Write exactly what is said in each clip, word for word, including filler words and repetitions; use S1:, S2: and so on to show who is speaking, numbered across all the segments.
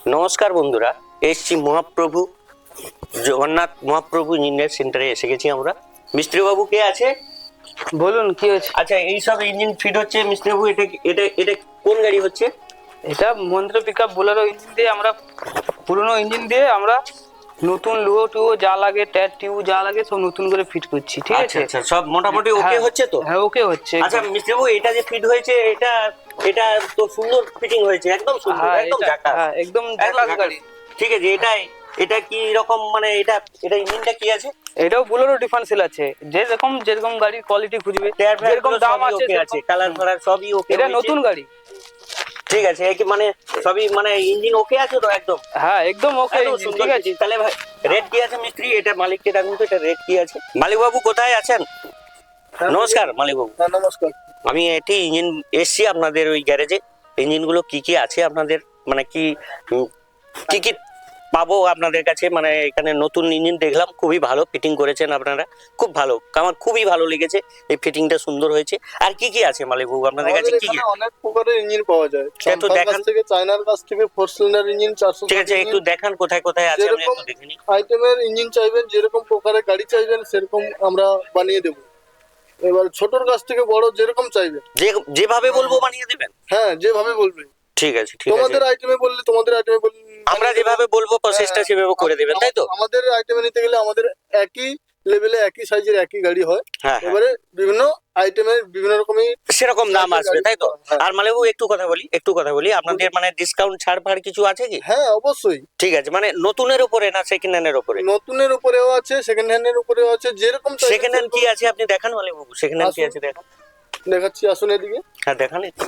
S1: নমস্কার বন্ধুরা, এসছি মহাপ্রভু জগন্নাথ মহাপ্রভু ইঞ্জিনিয়ার সেন্টারে এসে গেছি আমরা। মিস্ত্রি বাবু কে আছে?
S2: বলুন কি হয়েছে?
S1: আচ্ছা, এই সব ইঞ্জিন ফিট হচ্ছে মিস্ত্রি বাবু, এটা এটা এটা কোন গাড়ি হচ্ছে?
S2: এটা মহেন্দ্র পিকআপ বোলেরো ইঞ্জিন দিয়ে আমরা পুরনো ইঞ্জিন দিয়ে আমরা নতুন লুয়ো টুয়ো যা লাগে, ট্যাট টিউব যা লাগে সব নতুন করে ফিট করছি। ঠিক
S1: আচ্ছা
S2: আছে,
S1: আচ্ছা, সব মোটামুটি ওকে
S2: হ্যাঁ,
S1: হচ্ছে তো?
S2: হ্যাঁ ওকে হচ্ছে।
S1: আচ্ছা মিস্ত্রি বাবু, এটা যে ফিট হয়েছে এটা এটা তো সুন্দর ফিটিং হয়েছে, একদম সুন্দর,
S2: হ্যাঁ
S1: একদম
S2: এটা-
S1: ঝাকাস,
S2: হ্যাঁ একদম
S1: একদম
S2: ঝাকাস
S1: ঝাকাস।
S2: গাড়ি।
S1: ঠিক আছে, এটাই এটা কি রকম, মানে এটা এটা ইঞ্জিনটা কি আছে?
S2: এটাও বোলেরো ডিফারেন্সিয়াল আছে, যেরকম যেরকম গাড়ির কোয়ালিটি খুঁজবে,
S1: টায়ার ফায়ার
S2: যেরকম
S1: গুলো
S2: দাম
S1: সবই
S2: আছে
S1: ওকে আছে, কালার ফালার সবই ওকে।
S2: এটা নতুন গাড়ি।
S1: ঠিক আছে, এই কি মানে সবই মানে ইঞ্জিন ওকে আছে তো একদম?
S2: হ্যাঁ একদম ওকে।
S1: একদম সুন্দর
S2: ঠিক আছে,
S1: fitting। তাহলে ভাই রেট কি আছে মিস্ত্রি? এটা মালিককে ডাকুন তো, এটা রেট কি আছে? মালিক বাবু কোথায় আছেন? নমস্কার মালিক বাবু।
S3: হ্যাঁ নমস্কার।
S1: আমি এটি ইঞ্জিন এসছি আপনাদের ওই গ্যারেজে। ইঞ্জিনগুলো কি কি আছে আপনাদের, মানে কি উম, কি কি পাবো আপনাদের কাছে? মানে এখানে নতুন ইঞ্জিন দেখলাম, খুবই ভালো ফিটিং করেছেন আপনারা, খুব ভালো, আমার খুবই ভালো লেগেছে, এই ফিটিংটা সুন্দর হয়েছে। আর কি কি আছে মালিক বাবু আপনাদের কাছে?
S3: আমাদের
S1: কি কি
S3: এখানে অনেক প্রকারের ইঞ্জিন পাওয়া যায়,
S1: একটু
S3: চাম্পার
S1: দেখান।
S3: কাছ থেকে, চায়নার কাছ থেকে ফোর সিলিন্ডার ইঞ্জিন, চারশো
S1: ঠিক আছে, একটু দেখান কোথায় কোথায় আছে, আমি
S3: যেরকম
S1: একটু দেখে নিই।
S3: আইটেমের ইঞ্জিন চাইবেন, যেরকম প্রকারের গাড়ি চাইবেন সেরকম আমরা বানিয়ে দেবো। এবার ছোটর কাছ থেকে বড় যেরকম চাইবেন,
S1: যে যেভাবে বলবো বানিয়ে দেবেন?
S3: হ্যাঁ যেভাবে বলবেন।
S1: ঠিক আছে, ঠিক আছে,
S3: তোমাদের আইটেমে বললে তোমাদের আইটেমে বললে
S1: আমরা যেভাবে বলবো প্রসেসটা
S3: হ্যাঁ,
S1: সেভাবে করে দেবেন, তাই তো?
S3: আমাদের আইটেমে নিতে গেলে আমাদের একই লেভেলে একই সাইজের একই গাড়ি হয়,
S1: হ্যাঁ হ্যাঁ,
S3: এবারে বিভিন্ন আইটেমের বিভিন্ন রকমই
S1: সেরকম দাম আসবে, তাই তো?
S3: হ্যাঁ।
S1: আর মালেবু একটু কথা বলি, একটু কথা বলি, আপনাদের মানে ডিসকাউন্ট ছাড় ফাড় কিছু আছে কি?
S3: হ্যাঁ অবশ্যই।
S1: ঠিক আছে, মানে নতুনের উপরে না সেকেন্ড হ্যান্ডের উপরে?
S3: নতুনের উপরেও আছে, সেকেন্ড হ্যান্ডের উপরেও আছে, যেরকম চাইবেন
S1: সেকেন্ড হ্যান্ড কি
S3: সেরকম।
S1: আছে আপনি দেখান মালেবু, সেকেন্ড হ্যান্ড কি
S3: আসুন।
S1: আছে দেখান।
S3: দেখাচ্ছি, আসুন এদিকে।
S1: হ্যাঁ দেখান একটু।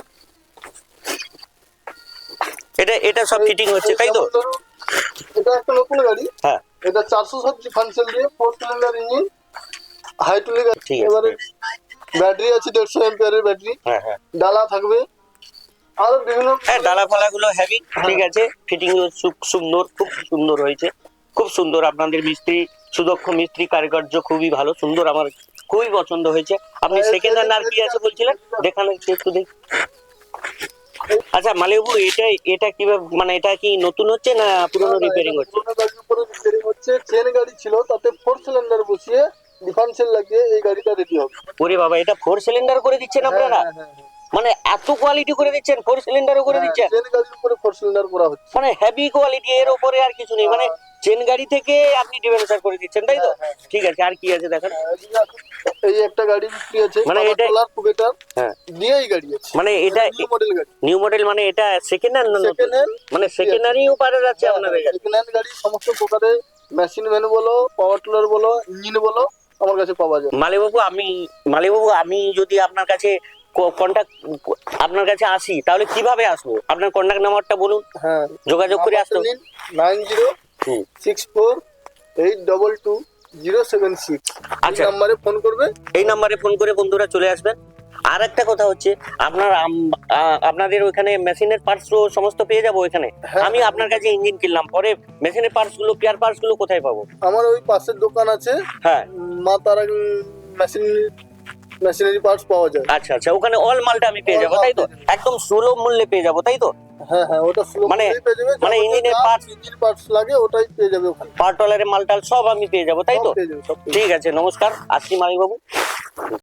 S1: এটা এটা সব ফিটিং হচ্ছে, তাই তো?
S3: যেমন ধরুন, এটা একটা নতুন গাড়ি,
S1: হ্যাঁ
S3: এটা চারশো সাত ডিফারেন্সিয়াল দিয়ে ফোর সিলিন্ডার ইঞ্জিন, হাইটুলি গাড়ি।
S1: ঠিক আছে,
S3: এবারে ব্যাটারি আছে দেড়শো এম্পিয়ারের ব্যাটারি,
S1: হ্যাঁ হ্যাঁ
S3: ডালা থাকবে, আরো বিভিন্ন।
S1: হ্যাঁ, ডালা ফালা গুলো হেভি, ঠিক আছে, ফিটিং সুন্দর, খুব সুন্দর হয়েছে, খুব সুন্দর। আপনাদের মিস্ত্রি, সুদক্ষ মিস্ত্রি কারিগর্য খুবই ভালো, সুন্দর, আমার খুবই পছন্দ হয়েছে। আপনি সেকেন্ড হ্যান্ড আর কি আছে বলছিলেন, দেখান একটু, একটু দেখি। আচ্ছা মালিকবাবু, এটা এটা কিভাবে, মানে এটা কি নতুন হচ্ছে না পুরনো রিপেয়ারিং হচ্ছে?
S3: পুরোনো গাড়ির উপরে রিপেয়ারিং হচ্ছে, চেন গাড়ি ছিল তাতে ফোর সিলিন্ডার বসিয়ে ডিফারেন্সিয়াল লাগিয়ে এই গাড়িটা রেডি হবে।
S1: ওরে বাবা, এটা ফোর সিলিন্ডার করে দিচ্ছেন আপনারা?
S3: হ্যাঁ, হ্যাঁ, হ্যাঁ,
S1: মানে এত কোয়ালিটি করে দিচ্ছেন, ফোর সিলিন্ডারও করে
S3: হ্যাঁ,
S1: দিচ্ছেন?
S3: চেন গাড়ির উপরে ফোর সিলিন্ডার করা হচ্ছে।
S1: মানে হেভি কোয়ালিটি, এর উপরে আর কিছু নেই, মানে চেন গাড়ি থেকে আপনি ডিফারেন্সার করে দিচ্ছেন, তাই তো? ঠিক আছে, আর কি আছে দেখান।
S3: এই একটা গাড়ি বিক্রি আছে,
S1: মানে
S3: মানে
S1: এটা-
S3: এটা কুবেটার
S1: হ্যাঁ,
S3: দিয়ে এই গাড়ি আছে,
S1: মানে এটা
S3: নিউ মডেল গাড়ি,
S1: নিউ মডেল, মানে এটা সেকেন্ড হ্যান্ড না
S3: সেকেন্ড হ্যান্ড।
S1: মানে সেকেন্ডারিও পারে যাচ্ছে আপনাদের কাছে?
S3: সেকেন্ড হ্যান্ড গাড়ি সমস্ত প্রকারের মেশিন ভ্যান বলো, পাওয়ার টিলার বলো, ইঞ্জিন বলো, আমার কাছে পাওয়া যায়।
S1: মালিকবাবু, আমি মালিকবাবু আমি যদি আপনার কাছে কন্টাক্ট আপনার কাছে আসি, তাহলে কিভাবে আসবো? আপনার কন্টাক্ট নাম্বারটা বলুন,
S3: হ্যাঁ,
S1: যোগাযোগ করে আসতে।
S3: Nine zero
S1: hmm,
S3: six four eight double two zero seven six
S1: আচ্ছা।
S3: নাম্বারে ফোন করবে।
S1: এই নাম্বারে ফোন করে বন্ধুরা চলে আসবেন। আর একটা কথা হচ্ছে, আপনার আম- আ- আপনাদের ওইখানে মেশিনের পার্টস সমস্ত পেয়ে যাবো এখানে?
S3: হ্যাঁ।
S1: আমি আপনার কাছে ইঞ্জিন কিনলাম, পরে মেশিনের পার্টস গুলো, পেয়ার পার্টস গুলো কোথায় পাবো?
S3: আমার ওই পাশের দোকান আছে,
S1: হ্যাঁ,
S3: উম, মা তারা মেশিন মেশিনারি পার্টস পাওয়া যায়।
S1: আচ্ছা আচ্ছা, ওখানে অল মালটা আমি পেয়ে যাবো, তাই তো? একদম সুলভ মূল্যে পেয়ে যাবো, তাই তো?
S3: হ্যাঁ হ্যাঁ, ওটা সুলভ
S1: মানে-
S3: মূল্যেই পেয়ে যাবে।
S1: মানে
S3: যাবতীয়
S1: ইঞ্জিনের
S3: যা
S1: parts-
S3: ইঞ্জিন পার্টস লাগে ওটাই পেয়ে যাবে ওখানে।
S1: পার্টলারের মালটাল সব আমি পেয়ে যাবো, তাই তো?
S3: সব পেয়ে যাবে, সব পেয়ে যাবে।
S1: ঠিক আছে, নমস্কার, আসছি মালিকবাবু।